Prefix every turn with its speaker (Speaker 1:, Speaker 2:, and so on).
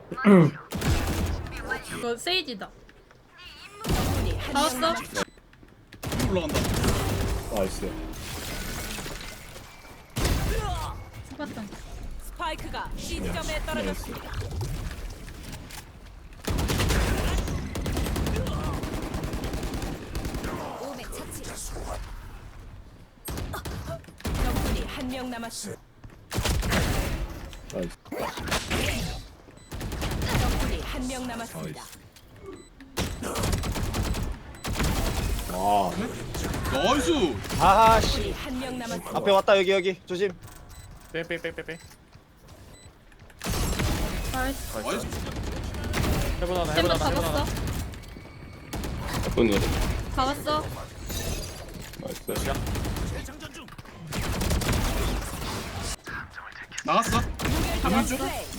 Speaker 1: 이거 세이지다.
Speaker 2: 나왔어?
Speaker 1: 나왔어?
Speaker 3: 올라간다.
Speaker 4: 나이스.
Speaker 1: 스파탄.
Speaker 2: 스파이크가 C점에 떨어졌습니다. 오메 차치. 적군이 한 명 남았습니다.
Speaker 4: 나이스.
Speaker 2: 적군이 한 명 남았습니다.
Speaker 4: 와.
Speaker 3: 나이스.
Speaker 5: 아씨
Speaker 2: 적군이 한 명 남았습니다.
Speaker 5: 앞에 왔다 여기 조심.
Speaker 6: 빼빼빼빼빼.
Speaker 1: 나이스.
Speaker 3: 나이스.
Speaker 6: 해보나다
Speaker 1: 템버
Speaker 6: 해보나다
Speaker 1: 잡았어.
Speaker 6: 해보나다.
Speaker 4: 오늘
Speaker 1: 잡았어.
Speaker 4: 나이스.
Speaker 3: 나갔어. 가면 쭉.